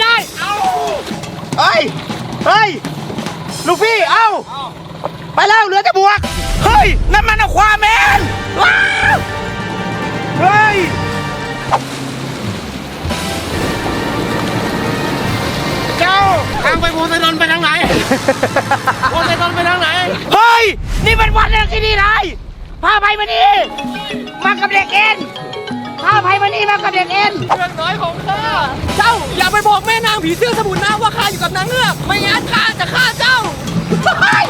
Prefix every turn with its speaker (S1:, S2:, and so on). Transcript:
S1: ได้เฮ้ยลูกพี่เอาไปแล้วเหลือแต่บวกเฮ้ยนั่นมันอะควาแมนว้าวเฮ้ยเจ้าทางไปโพไซดอนไปทางไหนโพไซดอนไปทางไหนเฮ้ยนี่เป็นวันแรกที่นี่เลยพาไปมานี่มากับเด็กเอ็นพาไปมานี่มากับเด็กเอ็นเรื่องน้อยของข้าเจ้าอย่าไปบอกแม่นางผีเสื้อสมุนนะว่าข้าอยู่กับนางเงือกไม่งั้นข้าจะฆ่าเจ้า